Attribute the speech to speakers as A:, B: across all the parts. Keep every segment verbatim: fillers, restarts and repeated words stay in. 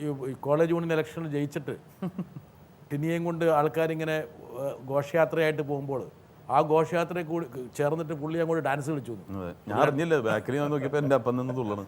A: ഈ college union ഇലക്ഷനിൽ ജയിച്ചിട്ട് ടിനിയെയും കൊണ്ട് ആൾക്കാരിങ്ങനെ ഘോഷയാത്രയായിട്ട് പോകുമ്പോൾ ആ ഘോഷയാത്രയെ കൂടി ചേർന്നിട്ട് പുള്ളി അങ്ങോട്ട് ഡാൻസ് കളിച്ചു.
B: ഞാൻ അറിഞ്ഞില്ല, ബാക്കിൽ ഞാൻ നോക്കിയപ്പോൾ എൻ്റെ അപ്പം നിന്ന് തുള്ളണം.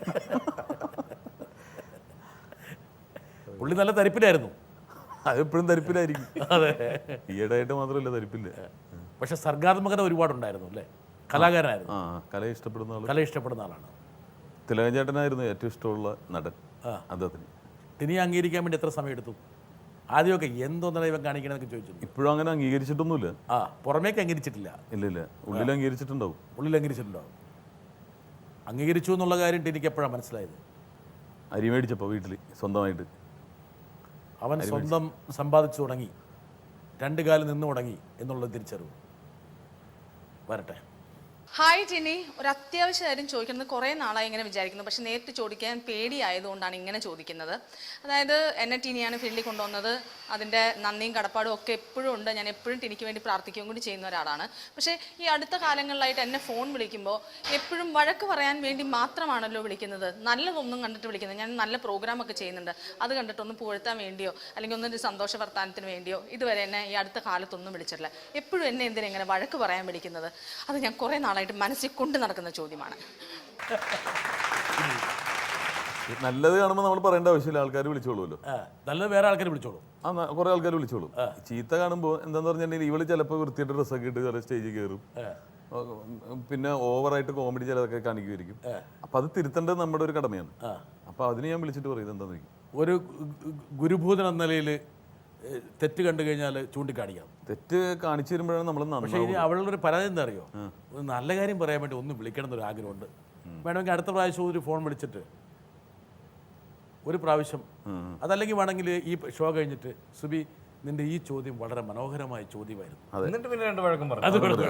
A: പുള്ളി നല്ല തരിപ്പിലായിരുന്നു.
B: അതെപ്പോഴും തരിപ്പിലായിരിക്കും.
A: അതെ,
B: ഈയിടെയായിട്ട് മാത്രമല്ല തരിപ്പില്ല.
A: പക്ഷെ സർഗാത്മകത ഒരുപാടുണ്ടായിരുന്നു അല്ലേ? കലാകാരനായിരുന്നു.
B: ആ, കല ഇഷ്ടപ്പെടുന്ന ആൾ,
A: കല ഇഷ്ടപ്പെടുന്ന ആളാണ്.
B: തിലകൻ ചേട്ടനായിരുന്നു ഏറ്റവും ഇഷ്ടമുള്ള നടൻ അദ്ദേഹത്തിന്.
A: ടിനിയെ അംഗീകരിക്കാൻ വേണ്ടി എത്ര സമയം എടുത്തു? ആദ്യമൊക്കെ എന്തോന്നാണ് ഇവൻ കാണിക്കണമെന്നൊക്കെ ചോദിച്ചു.
B: ഇപ്പോഴും അങ്ങനെ അംഗീകരിച്ചിട്ടൊന്നുമില്ല.
A: ആ, പുറമേക്ക് അംഗീകരിച്ചിട്ടില്ല.
B: ഇല്ല ഇല്ല, ഉള്ളിൽ അംഗീകരിച്ചിട്ടുണ്ടാവും.
A: ഉള്ളിൽ അംഗീകരിച്ചിട്ടുണ്ടാവും. അംഗീകരിച്ചു എന്നുള്ള കാര്യം ടിനിക്ക് എപ്പോഴാണ് മനസ്സിലായത്?
B: അരി മേടിച്ചപ്പോൾ വീട്ടിൽ സ്വന്തമായിട്ട്
A: അവൻ സ്വന്തം സമ്പാദിച്ചു തുടങ്ങി, രണ്ട് കാലം നിന്ന് തുടങ്ങി എന്നുള്ളത് തിരിച്ചറിവ്. വരട്ടെ.
C: ഹായ് ടിനി, ഒരു അത്യാവശ്യ കാര്യം ചോദിക്കുന്നത് കുറേ നാളായി ഇങ്ങനെ വിചാരിക്കുന്നു, പക്ഷെ നേരിട്ട് ചോദിക്കാൻ പേടിയായതുകൊണ്ടാണ് ഇങ്ങനെ ചോദിക്കുന്നത്. അതായത് എന്നെ ടിനിയാണ് ഫീൽഡിൽ കൊണ്ടുവന്നത്, അതിൻ്റെ നന്ദിയും കടപ്പാടും ഒക്കെ എപ്പോഴും ഉണ്ട്. ഞാൻ എപ്പോഴും ടിനിക്ക് വേണ്ടി പ്രാർത്ഥിക്കുകയും കൂടി ചെയ്യുന്ന ഒരാളാണ്. പക്ഷേ ഈ അടുത്ത കാലങ്ങളിലായിട്ട് എന്നെ ഫോൺ വിളിക്കുമ്പോൾ എപ്പോഴും വഴക്ക് പറയാൻ വേണ്ടി മാത്രമാണല്ലോ വിളിക്കുന്നത്, നല്ലതൊന്നും കണ്ടിട്ട് വിളിക്കുന്നത്. ഞാൻ നല്ല പ്രോഗ്രാമൊക്കെ ചെയ്യുന്നുണ്ട്, അത് കണ്ടിട്ടൊന്ന് പുകഴ്ത്താൻ വേണ്ടിയോ അല്ലെങ്കിൽ ഒന്നൊരു സന്തോഷ വർത്താനത്തിന് വേണ്ടിയോ ഇതുവരെ എന്നെ ഈ അടുത്ത കാലത്തൊന്നും വിളിച്ചിട്ടില്ല. എപ്പോഴും എന്നെ എന്തിനാ ഇങ്ങനെ വഴക്ക് പറയാൻ വിളിക്കുന്നത്? അത് ഞാൻ കുറേ നാളായിട്ട് മനസ്സിൽ കൊണ്ട് നടക്കുന്ന ചോദ്യമാണ്.
B: നല്ലത് കാണുമ്പോൾ നമ്മൾ പറയേണ്ട ആവശ്യമില്ല, ആൾക്കാർ വിളിച്ചോളൂല്ലോ.
A: നല്ലത് വേറെ ആൾക്കാർ വിളിച്ചോളൂ.
B: ആ, കുറെ ആൾക്കാർ വിളിച്ചോളും. ചീത്ത കാണുമ്പോൾ എന്താന്ന് പറഞ്ഞിട്ടുണ്ടെങ്കിൽ ഇവള് ചിലപ്പോൾ വൃത്തിയായിട്ട് ഡ്രസ്സൊക്കെ ഇട്ട് ചില സ്റ്റേജിൽ കയറും, പിന്നെ ഓവറായിട്ട് കോമഡി ചിലതൊക്കെ കാണിക്കുമായിരിക്കും. അപ്പൊ അത് തിരുത്തേണ്ടത് നമ്മുടെ ഒരു കടമയാണ്. അപ്പൊ അതിന് ഞാൻ വിളിച്ചിട്ട് പറയുന്നത് എന്താന്ന് ചോദിക്കും.
A: ഒരു ഗുരുഭൂതൻ എന്ന നിലയിൽ തെറ്റ് കണ്ടു കഴിഞ്ഞാൽ ചൂണ്ടിക്കാണിക്കാം.
B: തെറ്റ് കാണിച്ചു തരുമ്പോഴാണ് നമ്മൾ.
A: പക്ഷേ ഇനി അവളുടെ ഒരു പരാതി എന്താ അറിയോ? ഒരു നല്ല കാര്യം പറയാൻ വേണ്ടി ഒന്ന് വിളിക്കണം എന്നൊരു ആഗ്രഹമുണ്ട്. വേണമെങ്കിൽ അടുത്ത പ്രാവശ്യം ഒരു ഫോൺ വിളിച്ചിട്ട് ഒരു പ്രാവശ്യം, അതല്ലെങ്കിൽ വേണമെങ്കിൽ ഈ ഷോ കഴിഞ്ഞിട്ട്, സുബി നിന്റെ ഈ ചോദ്യം വളരെ മനോഹരമായ ചോദ്യമായിരുന്നു,
D: എന്നിട്ട് പിന്നെ രണ്ട് വഴക്കം പറഞ്ഞു.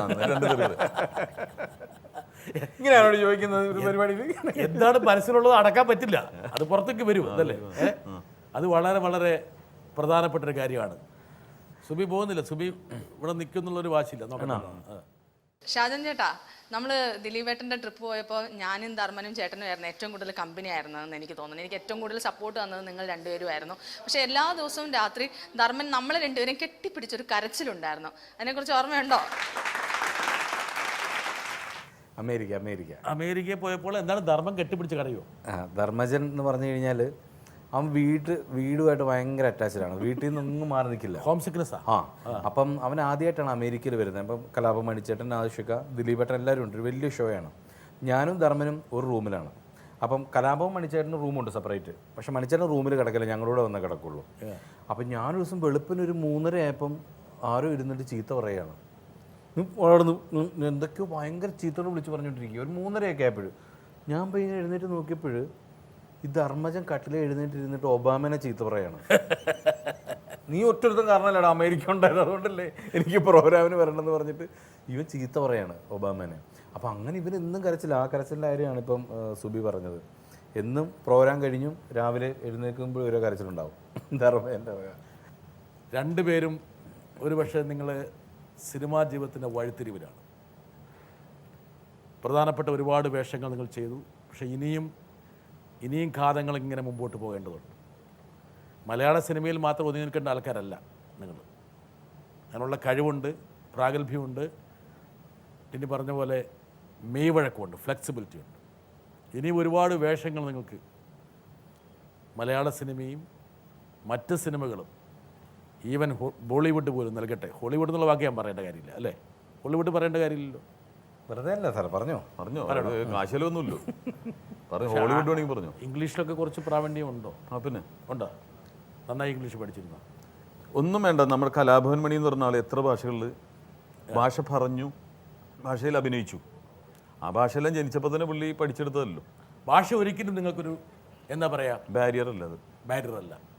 A: ഇങ്ങനെയാണോ ചോദിക്കുന്നത് ഒരു പരിപാടിയിൽ? എന്താണ് മനസ്സിലുള്ളത് അടക്കാൻ പറ്റില്ല, അത് പുറത്തേക്ക് വരും അതല്ലേ? അത് വളരെ വളരെ പ്രധാനപ്പെട്ടൊരു കാര്യമാണ്. സുബി പോകുന്നില്ല, സുബി ഇവിടെ നിൽക്കുന്നുള്ളൊരു വാശിയില്ല. നോക്കണം.
C: ഷാജൻ ചേട്ടാ, നമ്മൾ ദിലീപേട്ടൻ്റെ ട്രിപ്പ് പോയപ്പോൾ ഞാനും ധർമ്മനും ചേട്ടനും ആയിരുന്നു ഏറ്റവും കൂടുതൽ കമ്പനി ആയിരുന്നതെന്ന് എനിക്ക് തോന്നുന്നു. എനിക്ക് ഏറ്റവും കൂടുതൽ സപ്പോർട്ട് തന്നത് നിങ്ങൾ രണ്ടുപേരും ആയിരുന്നു. പക്ഷേ എല്ലാ ദിവസവും രാത്രി ധർമ്മൻ നമ്മളെ രണ്ടുപേരും കെട്ടിപ്പിടിച്ചൊരു കരച്ചിലുണ്ടായിരുന്നു. അതിനെക്കുറിച്ച് ഓർമ്മയുണ്ടോ?
D: അമേരിക്ക അമേരിക്ക
A: അമേരിക്കയിൽ പോയപ്പോൾ എന്താണ് ധർമ്മം കെട്ടിപ്പിടിച്ച് കരയോ?
D: ആ, ധർമ്മജൻ എന്ന് പറഞ്ഞു കഴിഞ്ഞാൽ അവൻ വീട്ട് വീടുമായിട്ട് ഭയങ്കര അറ്റാച്ച്ഡ് ആണ്, വീട്ടിൽ നിന്നൊന്നും മാറി നിൽക്കില്ല.
A: Home sickness.
D: ആ, അപ്പം അവൻ ആദ്യമായിട്ടാണ് അമേരിക്കയിൽ വരുന്നത്. അപ്പം കലാപം മണിച്ചേട്ടൻ, ആവശ്യക്ക, ദിലീപേട്ടൻ എല്ലാവരും ഉണ്ട്. ഒരു വലിയ ഷോ ആണ്. ഞാനും ധർമ്മനും ഒരു റൂമിലാണ്. അപ്പം കലാപവും മണിച്ചേട്ടനും റൂമുണ്ട് സെപ്പറേറ്റ്. പക്ഷെ മണിച്ചേട്ടൻ റൂമിൽ കിടക്കില്ല, ഞങ്ങളൂടെ വന്നേ കിടക്കുള്ളൂ. അപ്പം ഞാനൊരു ദിവസം വെളുപ്പിന് ഒരു മൂന്നര ആയപ്പം ആരോ ഇരുന്നിട്ട് ചീത്ത പറയുകയാണ്. വളർന്നു എന്തൊക്കെയോ ഭയങ്കര ചീത്തോട് വിളിച്ച് പറഞ്ഞുകൊണ്ടിരിക്കുക. ഒരു മൂന്നരയൊക്കെ ആയപ്പോഴും ഞാൻ പോയി എഴുന്നേറ്റ് നോക്കിയപ്പോൾ ഈ ധർമ്മജൻ കട്ടിലെ എഴുന്നേറ്റ് ഇരുന്നിട്ട് ഒബാമനെ ചീത്ത പറയാണ്. നീ ഒറ്റൊരുത്തം കാരണമല്ലടാ അമേരിക്ക ഉണ്ടായത്, അതുകൊണ്ടല്ലേ എനിക്ക് പ്രോഗ്രാമിന് വരണമെന്ന് പറഞ്ഞിട്ട് ഇവൻ ചീത്ത പറയാണ് ഒബാമനെ. അപ്പം അങ്ങനെ ഇവൻ എന്നും കരച്ചില്ല. ആ കരച്ചിലിൻ്റെ കാര്യമാണ് ഇപ്പം സുബി പറഞ്ഞത്. എന്നും പ്രോഗ്രാം കഴിഞ്ഞും രാവിലെ എഴുന്നേൽക്കുമ്പോൾ ഓരോ കരച്ചിലുണ്ടാവും ധർമ്മജൻ്റെ.
A: രണ്ടുപേരും ഒരു പക്ഷേ നിങ്ങൾ സിനിമാ ജീവിതത്തിൻ്റെ വഴിത്തിരിവിലാണ്. പ്രധാനപ്പെട്ട ഒരുപാട് വേഷങ്ങൾ നിങ്ങൾ ചെയ്തു. പക്ഷേ ഇനിയും ഇനിയും കാലങ്ങൾ ഇങ്ങനെ മുമ്പോട്ട് പോകേണ്ടതുണ്ട്. മലയാള സിനിമയിൽ മാത്രം ഒതുങ്ങി നിൽക്കേണ്ട ആൾക്കാരല്ല നിങ്ങൾ. അതിനുള്ള കഴിവുണ്ട്, പ്രാഗൽഭ്യമുണ്ട്, ഇനി പറഞ്ഞ പോലെ മെയ്വഴക്കമുണ്ട്, ഫ്ലെക്സിബിലിറ്റി ഉണ്ട്. ഇനിയും ഒരുപാട് വേഷങ്ങൾ നിങ്ങൾക്ക് മലയാള സിനിമയും മറ്റ് സിനിമകളും ഈവൻ ബോളിവുഡ് പോലും നൽകട്ടെ. ഹോളിവുഡ് എന്നുള്ള വാക്ക് ഞാൻ പറയേണ്ട കാര്യമില്ല അല്ലേ? ഹോളിവുഡ് പറയേണ്ട കാര്യമില്ലല്ലോ.
D: വെറുതെ അല്ല സാർ, പറഞ്ഞോ
B: പറഞ്ഞോ കാശലൊന്നുമില്ലോ. പറഞ്ഞു ഹോളിവുഡ് വേണമെങ്കിൽ പറഞ്ഞു.
A: ഇംഗ്ലീഷിലൊക്കെ കുറച്ച് പ്രാവീണ്യം ഉണ്ടോ?
B: ആ, പിന്നെ
A: ഉണ്ടോ? നന്നായി ഇംഗ്ലീഷ് പഠിച്ചിരുന്നോ?
B: ഒന്നും വേണ്ട. നമ്മുടെ കലാഭവൻ മണി എന്ന് പറഞ്ഞ ആൾ എത്ര ഭാഷകളിൽ ഭാഷ പറഞ്ഞു, ഭാഷയിൽ അഭിനയിച്ചു. ആ ഭാഷയെല്ലാം ജനിച്ചപ്പോൾ തന്നെ പുള്ളി പഠിച്ചെടുത്തതല്ലോ.
A: ഭാഷ ഒരിക്കലും നിങ്ങൾക്കൊരു എന്താ പറയുക
B: ബാരിയർ അല്ല, അത്
A: ബാരിയർ അല്ല.